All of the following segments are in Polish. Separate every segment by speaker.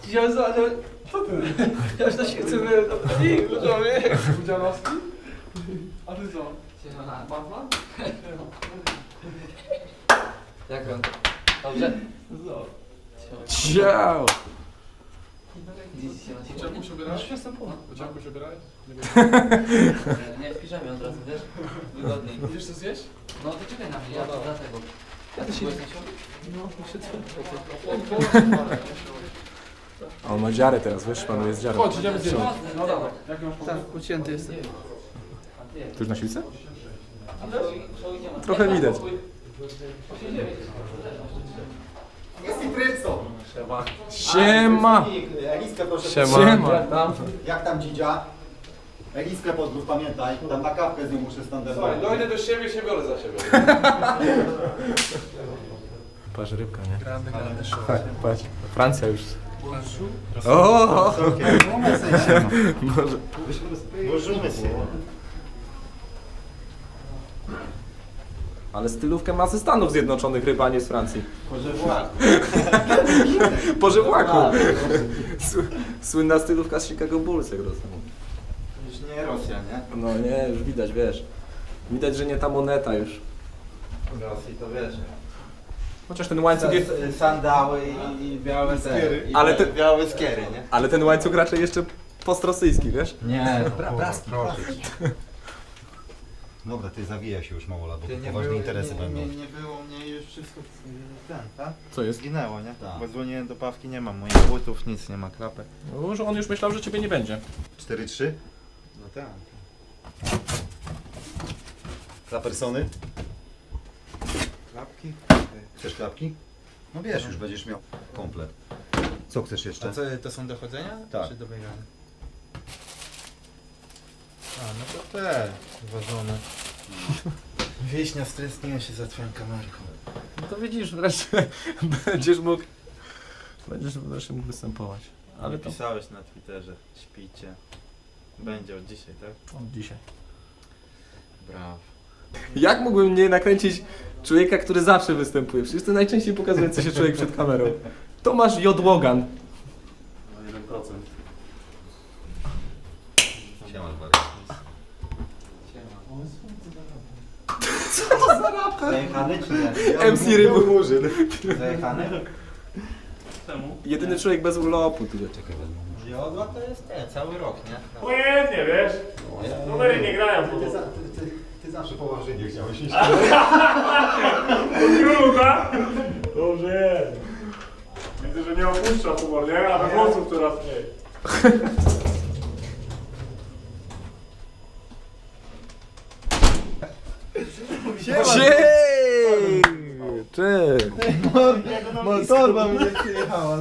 Speaker 1: Ja za, ale... Co ty? Ja już na siłce byłem na plik, człowiek. Udzianowski? A ty co?
Speaker 2: Siema.
Speaker 1: Batman?
Speaker 2: Jak on? Dobrze?
Speaker 1: Co?
Speaker 3: Ciao!
Speaker 1: Uciekł się ubierałeś? Już jestem po. Uciekł się ubierałeś?
Speaker 2: Nie, w piżamie od razu, wiesz? Wygodniej.
Speaker 1: Idziesz to zjeść?
Speaker 2: No to czekaj na mnie, ja to dlatego.
Speaker 1: Ja też idę.
Speaker 2: Byłeś na siłowni?
Speaker 1: No, muszę
Speaker 3: A on ma dziarę teraz, wiesz, panuje z dziarą.
Speaker 1: Chodź, idziemy zjeść. No dawaj. Jaki masz pomysł?
Speaker 4: Tak, ucięty jestem.
Speaker 3: Tu już na siłce?
Speaker 2: Idziemy.
Speaker 3: Trochę widać.
Speaker 5: Jest i Trypso.
Speaker 3: Siema!
Speaker 5: Eliskę proszę.
Speaker 3: Siema!
Speaker 5: Jak tam dzidzia? Eliskę pozdrów, pamiętaj. Tam na kawkę z nią muszę standardowo.
Speaker 1: Słuchaj, dojdę do siebie, się biorę za siebie.
Speaker 3: Patrz, rybka, nie? Patrz, Francja już. O! Może...
Speaker 5: Możemy się.
Speaker 3: Ale stylówkę ma ze Stanów Zjednoczonych, ryba, a nie z Francji.
Speaker 5: Może włak.
Speaker 3: Po żywłaku. Słynna stylówka z Chicago Bulls, jak rozumiem.
Speaker 5: Już nie Rosja, nie?
Speaker 3: No nie, już widać, wiesz. Widać, że nie ta moneta już.
Speaker 5: W Rosji to wiesz.
Speaker 3: Chociaż ten łańcuch jest...
Speaker 5: Sandały i białe skiery.
Speaker 3: Ale te-
Speaker 5: białe skiery, nie?
Speaker 3: Ale ten łańcuch raczej jeszcze postrosyjski, wiesz?
Speaker 5: Nie, braski. Dobra, ty zawija się już mało lat, bo poważne interesy będą.
Speaker 6: Nie było mnie już wszystko ten, tak?
Speaker 3: Co jest?
Speaker 6: Zginęło, nie?
Speaker 5: Tak.
Speaker 6: Bo dzwoniłem do Pawki, nie mam moich butów, nic, nie ma klapek.
Speaker 3: No, że on już myślał, że ciebie nie będzie.
Speaker 5: 4-3?
Speaker 6: No tak.
Speaker 5: Dla persony?
Speaker 6: Klapki?
Speaker 5: Chcesz klapki? No wiesz, już będziesz miał komplet. Co chcesz jeszcze?
Speaker 6: A co, to są dochodzenia?
Speaker 5: Tak.
Speaker 6: Czy dobiegane? A, no to te, ważone. Wieśnia, stresniłem się za twoją kamerką.
Speaker 3: No to widzisz, wreszcie będziesz mógł mógł występować. Ale to
Speaker 6: Pisałeś na Twitterze, śpicie. Będzie od dzisiaj, tak?
Speaker 3: od dzisiaj.
Speaker 6: Brawo.
Speaker 3: Jak mógłbym nie nakręcić człowieka, który zawsze występuje? Przecież to najczęściej pokazujący się człowiek przed kamerą. Tomasz J. Logan.
Speaker 1: No 1%.
Speaker 5: Siema, Barry. Zajechany czy nie?
Speaker 3: MC Rybu.
Speaker 5: Murzyn. Zajechany?
Speaker 1: Czemu?
Speaker 3: Jedyny człowiek bez urlopu tu.
Speaker 5: Czekaj, wezmę.
Speaker 6: Jodła to jest cały rok, nie?
Speaker 7: Pojętnie, wiesz? Numery nie grają po
Speaker 5: Ty zawsze położenie chciałeś iść.
Speaker 7: Druga? Dobrze jest. Widzę, że nie opuszcza humor, nie? A we włosów coraz mniej.
Speaker 3: Siej! Cześć!
Speaker 6: Torba mnie przyjechała.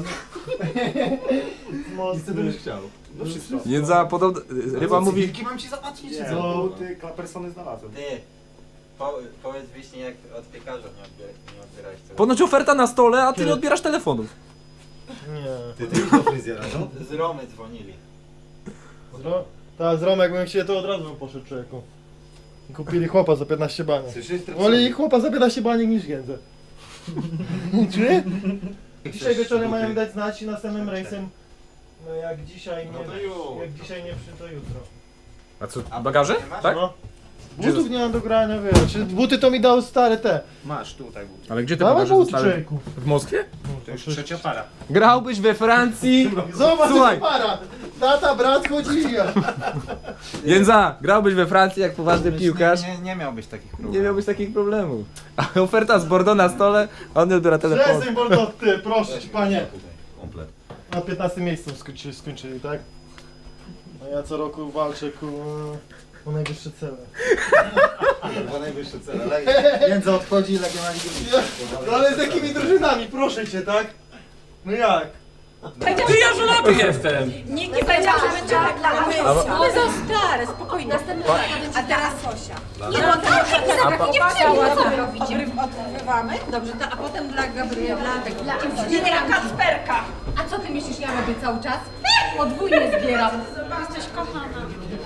Speaker 5: Co ty byś chciał?
Speaker 6: No wszystko.
Speaker 3: Jędza podobno... Ryba mówi...
Speaker 5: Wilki mam ci zapłacić, czy co?
Speaker 6: No, ty persony znalazłem.
Speaker 2: Ty, powiedz Wiśnie, jak od piekarza nie odbierałeś tego.
Speaker 3: Ponoć oferta na stole, a ty nie odbierasz telefonów.
Speaker 6: Nie.
Speaker 5: Ty idź do fryzjera, no?
Speaker 2: Z Romy dzwonili.
Speaker 8: Tak, z Romek, bym chciał, to od razu bym poszedł człowieku. Kupili chłopa za 15 baniek.
Speaker 5: Słyszysz?
Speaker 8: Woli chłopa za 15 baniek niż Giędzę. Czy? Dzisiaj wieczorem mają dać znać i następnym rejsem, no jak dzisiaj nie, jak dzisiaj nie przy, to jutro.
Speaker 3: A co, bagaże? Tak?
Speaker 8: No. Butów nie mam do grania, wiesz. Buty to mi dał stare te.
Speaker 6: Masz tutaj buty.
Speaker 3: Ale gdzie te
Speaker 8: Dawaj
Speaker 3: bagaże
Speaker 8: buty,
Speaker 3: zostały?
Speaker 8: człowieku.
Speaker 3: W Moskwie?
Speaker 6: To już trzecia para.
Speaker 3: Grałbyś we Francji?
Speaker 8: Zobacz,
Speaker 3: Słuchaj.
Speaker 8: jaka para. Tata, brat, chodzi ja.
Speaker 3: Jędza, grałbyś we Francji jak poważny piłkarz?
Speaker 6: Nie miałbyś takich problemów.
Speaker 3: Nie miałbyś takich problemów. A oferta z Bordeaux na stole, a on nie odbiera telefonu.
Speaker 8: Przestań, Bordo, ty, proszę ci, panie.
Speaker 5: Komplet.
Speaker 8: Na 15 miejscu skończyli, tak? A ja co roku walczę o najwyższe cele.
Speaker 5: Chyba najwyższe cele. Jędza odchodzi i Legia ma ligę.
Speaker 8: No ale z jakimi drużynami, proszę cię, tak? No jak?
Speaker 1: Ty ja żonaty jestem!
Speaker 9: Nikt nie powiedział, że będzie reklama. One są stare, spokojnie. A teraz Sosia. Nie no, nie chciała, co wy robicie. Odrywamy? Dobrze, to, a potem dla Gabriela, dla Kacperka. A co ty myślisz, ja robię cały czas? Podwójnie zbieram. Jesteś kochana.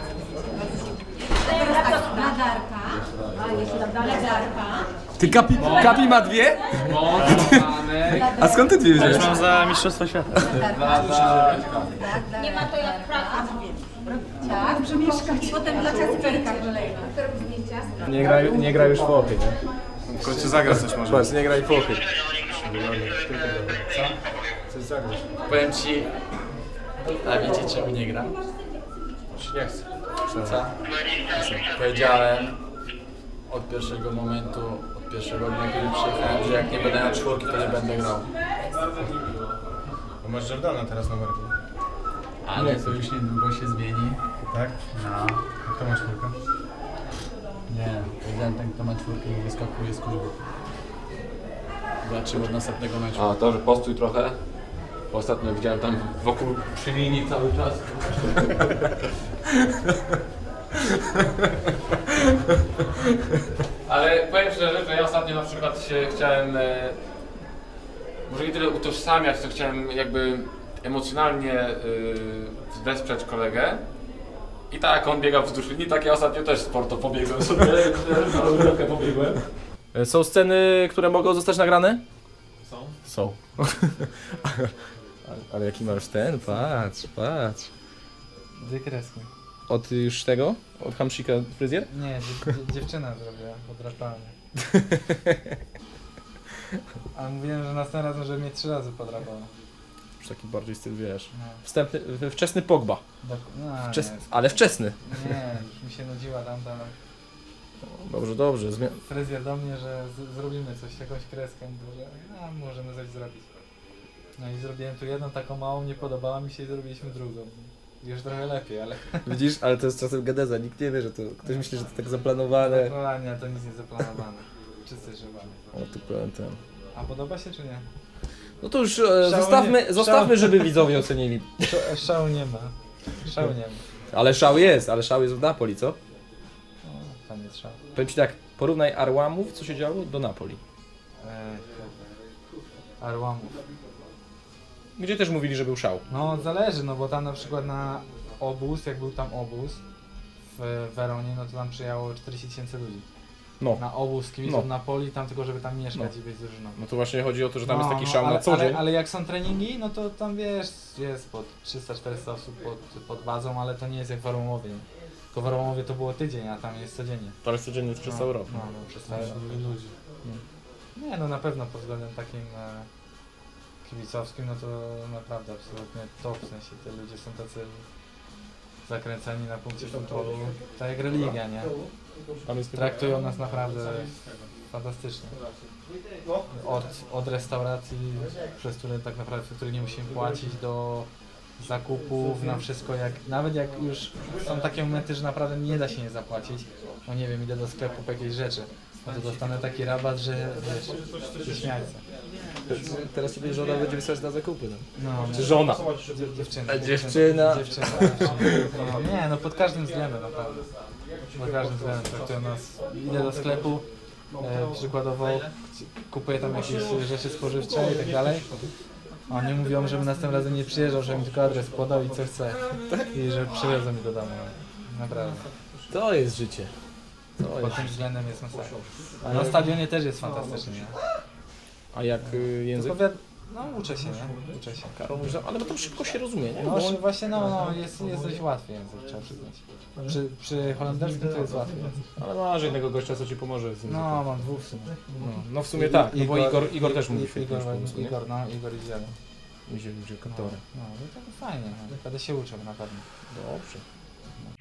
Speaker 9: Teraz tak, dla Darka. A jeszcze dla Darka.
Speaker 3: Ty kapi ma dwie?
Speaker 1: No, mamy.
Speaker 3: A skąd ty dwie wziąłeś?
Speaker 4: Mam za Mistrzostwo Świata.
Speaker 9: Nie ma to jak praca. Tak, przemieszkać. Potem dla Kacperka kolejna.
Speaker 3: Nie gra już w ochy, nie?
Speaker 7: W końcu zagra coś może.
Speaker 3: Patrz, nie graj w ochy.
Speaker 4: Powiem ci, a wiecie czemu nie gra? Nie chcę. Co? Powiedziałem od pierwszego momentu, od pierwszego dnia, kiedy przyjechałem, że jak nie będę na czwórki, to nie będę grał.
Speaker 6: Bo masz Jordana teraz na barku.
Speaker 4: Ale to już niedługo się zmieni.
Speaker 6: Tak?
Speaker 4: No.
Speaker 6: Kto ma czwórkę?
Speaker 4: Nie, powiedziałem ten, kto ma czwórkę i wyskakuje z kuźby. Zobaczymy od następnego meczu.
Speaker 10: A, to, że postój trochę. Ostatnio widziałem tam wokół przy linii cały czas. Ale powiem szczerze, że ja ostatnio na przykład się chciałem może nie tyle utożsamiać, to chciałem jakby emocjonalnie wesprzeć kolegę. I tak jak on biega wzdłuż linii, tak ja ostatnio też sporto pobiegłem sobie, trochę pobiegłem.
Speaker 3: Są sceny, które mogą zostać nagrane? Są. Ale jaki masz ten? Patrz.
Speaker 4: Dwie kreski.
Speaker 3: Od już tego? Od Hamsika fryzjer?
Speaker 4: Nie, dziewczyna zrobiła podrapanie. A mówiłem, że następnym razem, żeby mnie 3 razy podrapała.
Speaker 3: Już taki bardziej styl, wiesz.
Speaker 4: No.
Speaker 3: Wczesny Pogba.
Speaker 4: No,
Speaker 3: Ale wczesny.
Speaker 4: nie, już mi się nudziła tamta.
Speaker 3: Dobrze.
Speaker 4: Fryzjer do mnie, że zrobimy coś, jakąś kreskę, że możemy coś zrobić. No i zrobiłem tu jedną taką małą, nie podobała mi się i zrobiliśmy drugą. Już trochę lepiej, ale...
Speaker 3: Widzisz, ale to jest czasem gadeza, nikt nie wie, że to... Ktoś myśli, że to tak zaplanowane.
Speaker 4: No nie, to nic nie zaplanowane. Czysty żywany.
Speaker 3: O, tu pełen ten.
Speaker 4: A podoba się czy nie?
Speaker 3: No to już
Speaker 4: nie-
Speaker 3: zostawmy, żeby widzowie ocenili.
Speaker 4: Szału nie ma.
Speaker 3: Ale szał jest w Napoli, co?
Speaker 4: O, tam jest szał.
Speaker 3: Powiem ci tak, porównaj Arłamów, co się działo, do Napoli.
Speaker 4: Arłamów.
Speaker 3: Gdzie też mówili, że był szał.
Speaker 4: No zależy, no bo tam na przykład na obóz, jak był tam obóz w Weronie, no to tam przyjechało 40 000 ludzi.
Speaker 3: No.
Speaker 4: Na obóz kibiców Napoli, tam tylko żeby tam mieszkać i być z drużyną.
Speaker 3: No to właśnie chodzi o to, że tam jest taki szał
Speaker 4: ale,
Speaker 3: na co dzień.
Speaker 4: ale jak są treningi, no to tam wiesz, jest pod 300-400 osób pod bazą, ale to nie jest jak w Arłamowie. Tylko w Arłamowie to było tydzień, a tam jest codziennie.
Speaker 3: To jest codziennie przez cały rok.
Speaker 4: No, przez cały rok. Ludzi. Nie, no na pewno pod względem takim kibicowskim, no to naprawdę absolutnie top, w sensie te ludzie są tacy zakręceni na punkcie futbolu, tak jak religia, nie? Traktują nas naprawdę fantastycznie. Od restauracji, przez które tak naprawdę, w której nie musimy płacić, do zakupów, na wszystko, nawet jak już są takie momenty, że naprawdę nie da się nie zapłacić, no nie wiem, idę do sklepu po jakieś rzeczy, no to dostanę taki rabat, że wiesz, śmiać się.
Speaker 3: Teraz sobie żona będzie wysłać na zakupy.
Speaker 4: No,
Speaker 3: Czy żona?
Speaker 4: Dziewczyna. No, nie, no pod każdym względem naprawdę. Pod każdym względem traktują nas. Idę do sklepu, przykładowo kupuję tam jakieś rzeczy spożywcze i tak dalej. Oni mówią, żebym następnym razem nie przyjeżdżał, żebym tylko adres podał i co chcę. I że przywiozą mi do domu. Naprawdę.
Speaker 3: To jest życie.
Speaker 4: Pod tym względem jest masakra. A na stadionie też jest fantastycznie. Nie?
Speaker 3: A jak język?
Speaker 4: No uczę się, nie? Uczę się.
Speaker 3: Karol, ale to szybko się rozumie, nie?
Speaker 4: No właśnie, jest dość łatwy język, trzeba przyznać. Przy holenderskim to jest łatwy język.
Speaker 3: Ale masz jednego gościa, co ci pomoże z językiem.
Speaker 4: No, mam 2 w sumie.
Speaker 3: No w sumie tak, no bo Igor też mówi świetnie
Speaker 4: Igor i Zielon.
Speaker 3: Idzie kantory.
Speaker 4: No to fajnie, będę się uczył na pewno.
Speaker 3: Dobrze.